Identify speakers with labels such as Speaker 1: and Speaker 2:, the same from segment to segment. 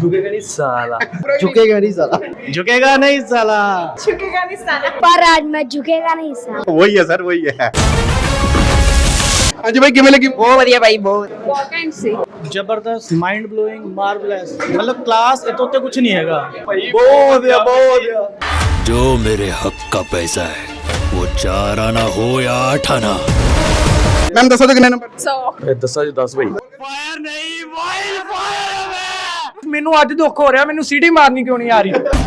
Speaker 1: झुकेगा नहीं साला।
Speaker 2: झुकेगा नहीं साला।
Speaker 1: झुकेगा नहीं साला।
Speaker 3: झुकेगा नहीं साला।
Speaker 4: पर आज मैं झुकेगा नहीं साला।
Speaker 5: वही है सर, वही है। हाँ जी भाई, किमें लगी?
Speaker 3: बहुत बढ़िया भाई, बहुत वॉकेंड से
Speaker 1: जबरदस्त, माइंड ब्लोइंग, मार्वलेस, मतलब क्लास इतोते कुछ नहीं हैगा।
Speaker 5: बहुत
Speaker 6: जो मेरे हक का पैसा है वो 4 आना हो या 8 आना।
Speaker 5: मैम दसो तो कितने नंबर?
Speaker 3: 100
Speaker 1: 10 10 भाई।
Speaker 6: फायर नहीं, वाइल्ड फायर है।
Speaker 1: ਮੈਨੂੰ ਅੱਜ ਦੁੱਖ ਹੋ ਰਿਹਾ, ਮੈਨੂੰ ਸੀਟੀ ਮਾਰਨੀ ਕਿਉਂ ਨਹੀਂ ਆ ਰਹੀ।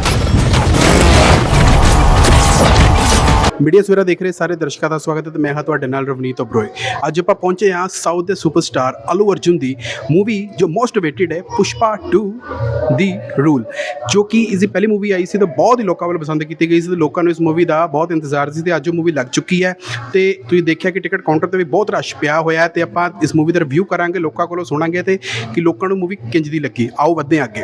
Speaker 5: मीडिया सवेरा देख रहे सारे दर्शकों का स्वागत है। तो मैं हाँ तुहाडे नाल रवनीत ओबरॉय। अज आपां पहुंचे हाँ साउथ के सुपरस्टार अल्लू अर्जुन की मूवी जो मोस्ट अवेटेड है, पुष्पा 2 दी रूल, जो कि इसकी पहली मूवी आई सी तो बहुत ही लोगों वालों पसंद की गई सी। तो लोगों को इस मूवी का बहुत इंतजार सी। अज मूवी लग चुकी है तो तुसीं देखिया कि टिकट काउंटर पर भी बहुत रश पिया होया है। तो आपां इस मूवी का रिव्यू करांगे, लोगों को सुनांगे तो कि लोगों को मूवी किंज दी लगी। आओ वधदे आगे।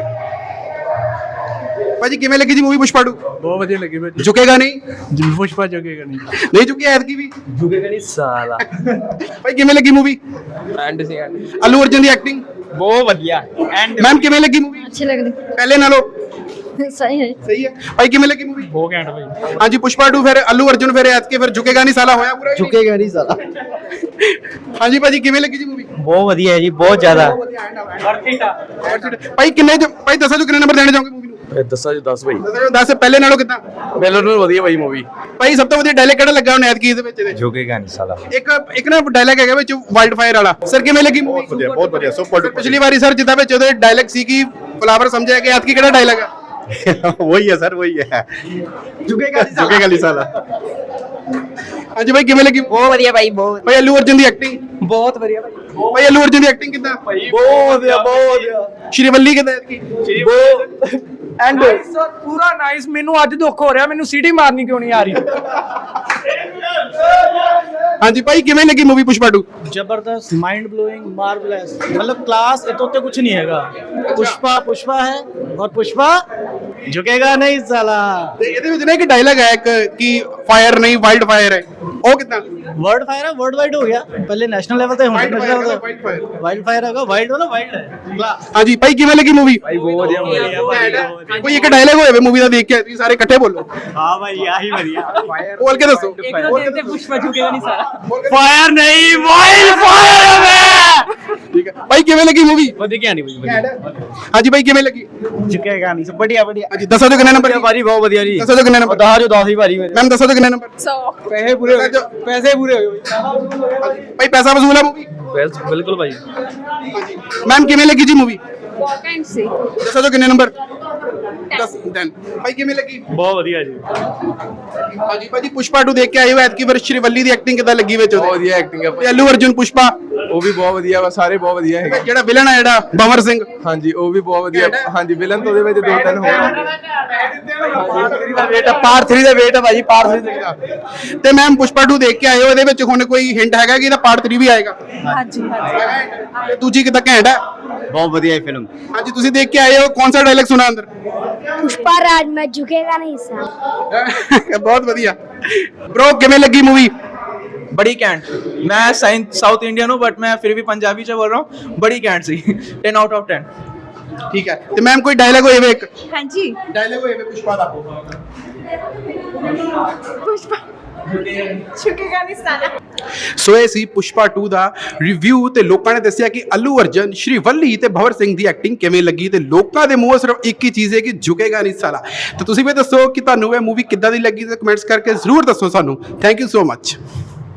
Speaker 5: भाजी किवें लगी जी मूवी पुष्पा 2?
Speaker 1: बहुत ਵਧੀਆ ਲੱਗੀ ਭਾਜੀ।
Speaker 5: झुकेगा नहीं?
Speaker 1: पुष्पा झुकेगा नहीं।
Speaker 5: नहीं झुकी ऐतकी भी?
Speaker 1: झुकेगा नहीं साला।
Speaker 5: भाई किवें लगी मूवी?
Speaker 3: एंड से
Speaker 5: अल्लू अर्जुन की एक्टिंग
Speaker 3: बहुत बढ़िया एंड
Speaker 5: मैम किवें लगी मूवी?
Speaker 4: अच्छी लग रही
Speaker 5: पहले नालों
Speaker 4: सही है।
Speaker 5: सही है। भाई किवें लगी मूवी?
Speaker 1: बहुत घैंट भाई।
Speaker 5: हाँ जी, पुष्पा 2 फिर अल्लू अर्जुन फिर ऐतकी फिर झुकेगा नहीं साला होया पूरा।
Speaker 2: झुकेगा नहीं साला।
Speaker 5: हाँ जी भाजी किवें लगी जी मूवी?
Speaker 1: बहुत ਵਧੀਆ ਜੀ, ਬਹੁਤ ਜ਼ਿਆਦਾ।
Speaker 5: भाई किन्ने भाई दसो जो किन्ने नंबर देने जाओगे मूवी ਨੂੰ?
Speaker 1: 10 10 ਭਾਈ।
Speaker 5: 10 ਪਹਿਲੇ ਨਾਲੋਂ ਕਿਦਾਂ?
Speaker 1: ਪਹਿਲਾਂ ਨਾਲੋਂ ਵਧੀਆ ਭਾਈ मूवी।
Speaker 5: ਭਾਈ ਸਭ ਤੋਂ ਵਧੀਆ ਡਾਇਲੌਗ ਕਿਹੜਾ ਲੱਗਾ ਉਹਨੇ ਐਤਕੀ ਦੇ ਵਿੱਚ ਇਹਦੇ?
Speaker 1: झुकेगा नहीं साला।
Speaker 5: ਇੱਕ ਨਾ ਡਾਇਲੌਗ ਹੈਗਾ ਵਿੱਚ ਵਾਈਲਡ ਫਾਇਰ ਵਾਲਾ। ਸਰ ਕਿਵੇਂ ਲੱਗੀ मूवी? ਬਹੁਤ ਵਧੀਆ ਸੁਪਰ ਡੂਪਰ। ਪਿਛਲੀ ਵਾਰੀ ਸਰ ਜਿੱਦਾਂ ਵਿੱਚ ਉਹਦੇ ਡਾਇਲੌਗ ਸੀ ਕਿ ਫਲਾਵਰ ਸਮਝਿਆ ਕਿ ਐਤਕੀ ਕਿਹੜਾ ਡਾਇਲੌਗ ਹੈ? वही है सर, वही है। झुकेगा नहीं साला। हाँ जी भाई किवें लगी?
Speaker 3: बहुत बढ़िया भाई, बहुत
Speaker 5: भाई अल्लू अर्जुन की एक्टिंग
Speaker 3: बहुत बढ़िया भाई।
Speaker 5: भाई अल्लू अर्जुन की एक्टिंग कितना? बहुत श्रीवल्ली कितना है?
Speaker 1: ਐਂਡ ਪੂਰਾ ਨਾਈਸ। ਮੈਨੂੰ ਅੱਜ ਦੁੱਖ ਹੋ ਰਿਹਾ, ਮੈਨੂੰ ਸੀਟੀ ਮਾਰਨੀ ਕਿਉਂ ਨਹੀਂ ਆ ਰਹੀ।
Speaker 5: हाँ जी भाई किवें लगी मूवी पुष्पा 2?
Speaker 1: जबरदस्त, माइंड ब्लोइंग, मार्वलेस, मतलब क्लास इतोते कुछ नहीं हैगा। पुष्पा पुष्पा है और पुष्पा झुकेगा नहीं साला।
Speaker 5: ਤੇ ਇਹਦੇ ਵਿੱਚ ਨਾ ਇੱਕ ਡਾਇਲੌਗ ਹੈ ਇੱਕ ਕਿ ਫਾਇਰ ਨਹੀਂ ਵਾਈਲਡ ਫਾਇਰ ਹੈ, ਉਹ ਕਿਦਾਂ?
Speaker 1: वर्ल्ड फायर है, वर्ल्ड वाइड हो गया। पहले नेशनल लेवल पे,
Speaker 5: Wild fire
Speaker 1: नेशनल
Speaker 5: है,
Speaker 1: लेवल
Speaker 5: wild fire।
Speaker 1: पे वाइल्ड फायर होगा। वाइल्ड वाला वाइल्ड है।
Speaker 5: हाँ जी भाई किवें लगी मूवी?
Speaker 1: भाई बहुत बढ़िया।
Speaker 5: ਕੋਈ ਇੱਕ ਡਾਇਲੌਗ ਹੋਵੇ मूवी ਦਾ ਦੇਖ ਕੇ ਤੁਸੀਂ ਸਾਰੇ ਇਕੱਠੇ ਬੋਲੋ।
Speaker 1: हां भाई यही बढ़िया।
Speaker 5: बोल के दसो।
Speaker 3: एक तो देखते पुष्पा झुकेगा नहीं साला।
Speaker 1: फायर नहीं, वाइल्ड फायर है।
Speaker 5: ठीक है भाई किवें लगी मूवी?
Speaker 1: बढ़िया नहीं भाई।
Speaker 5: हाँ जी भाई किवें लगी?
Speaker 1: झुकेगा नहीं, सब बढ़िया बढ़िया।
Speaker 5: हाँ जी दसो जो कितने नंबर?
Speaker 1: भारी बहुत बढ़िया जी।
Speaker 5: दसो जो कितने नंबर?
Speaker 1: 10 जो 10 ही भारी मेरे।
Speaker 5: मैम दसो जो कितने नंबर?
Speaker 3: 100
Speaker 1: पैसे पूरे हो गए, पैसे पूरे हो गए
Speaker 5: भाई पैसा वसूल है मूवी?
Speaker 1: बिल्कुल भाई।
Speaker 5: मैम किवें लगी जी मूवी?
Speaker 3: वॉकेंड से
Speaker 5: दसो जो कितने नंबर? 10 10 भाई किवें लगी?
Speaker 1: बहुत बढ़िया जी।
Speaker 5: हाँ जी भाजी पुष्पा 2 देख के आए हो, ऐतकी फिर श्रीवल्ली ਦੀ ਐਕਟਿੰਗ ਕਿਦਾਂ ਲੱਗੀ ਵਿੱਚ ਉਹਦੇ?
Speaker 7: ਬਹੁਤ ਵਧੀਆ ਐਕਟਿੰਗ ਹੈ
Speaker 5: ਤੇ ਅੱਲੂ ਅਰਜੁਨ ਪੁਸ਼ਪਾ
Speaker 7: ਉਹ ਵੀ ਬਹੁਤ ਵਧੀਆ ਵਾ, ਸਾਰੇ ਬਹੁਤ ਵਧੀਆ ਹੈਗੇ।
Speaker 5: ਜਿਹੜਾ ਵਿਲਨ ਹੈ ਜਿਹੜਾ ਬੰਵਰ ਸਿੰਘ,
Speaker 7: ਹਾਂਜੀ ਉਹ ਵੀ ਬਹੁਤ ਵਧੀਆ। ਹਾਂਜੀ ਵਿਲਨ ਤੋਂ ਉਹਦੇ ਵਿੱਚ 2-3 ਹੋਰ
Speaker 5: ਪਾਰਟ 3 ਦਾ ਵੇਟ ਹੈ ਭਾਜੀ, ਪਾਰਟ 3 ਦਾ। ਤੇ ਮੈਮ ਪੁਸ਼ਪਾ 2 ਦੇਖ ਕੇ ਆਏ ਹੋ, ਇਹਦੇ ਵਿੱਚ ਹੁਣ ਕੋਈ ਹਿੰਟ ਹੈਗਾ ਕਿ ਇਹਦਾ ਪਾਰਟ 3 ਵੀ ਆਏਗਾ?
Speaker 3: ਹਾਂਜੀ
Speaker 5: ਤੇ ਦੂਜੀ ਕਿਦਾਂ ਘੈਂਟ ਹੈ?
Speaker 1: बहुत बढ़िया फिल्म।
Speaker 5: ਹਾਂਜੀ ਤੁਸੀਂ ਦੇਖ ਕੇ ਆਏ ਹੋ, ਕੌन सा डायलॉग सुना अंदर?
Speaker 4: पुष्पा राज में झुकेगा नहीं साला।
Speaker 5: बहुत बढ़िया। ब्रो किवें लगी मूवी?
Speaker 8: बड़ी कैंट। मैं साउथ इंडियन हूँ बट मैं फिर भी पंजाबी से बोल रहा हूँ। बड़ी कैंट सी 10 आउट ऑफ 10।
Speaker 5: ठीक है। तो मैम कोई डायलॉग होए एक
Speaker 3: हाँ जी
Speaker 5: डायलॉग होए पुष्पा दा?
Speaker 3: पुष्पा झुकेगा नहीं साला।
Speaker 5: ਸੋ ਇਹ ਸੀ ਪੁਸ਼ਪਾ 2 ਦਾ ਰਿਵਿਊ। ਤੇ ਲੋਕਾਂ ਨੇ ਦੱਸਿਆ ਕਿ ਅੱਲੂ ਅਰਜਨ, ਸ਼੍ਰੀਵੱਲੀ ਤੇ ਭਵਰ ਸਿੰਘ ਦੀ ਐਕਟਿੰਗ ਕਿਵੇਂ ਲੱਗੀ। ਤੇ ਲੋਕਾਂ ਦੇ ਮੂੰਹੋਂ ਸਿਰਫ ਇੱਕ ਹੀ ਚੀਜ਼ ਹੈ ਕਿ ਝੁਕੇਗਾ ਨਹੀਂ ਸਾਲਾ। ਤੇ ਤੁਸੀਂ ਵੀ ਦੱਸੋ ਕਿ ਤੁਹਾਨੂੰ ਇਹ ਮੂਵੀ ਕਿੱਦਾਂ ਦੀ ਲੱਗੀ ਤੇ ਕਮੈਂਟਸ ਕਰਕੇ ਜ਼ਰੂਰ ਦੱਸੋ ਸਾਨੂੰ। Thank you so much.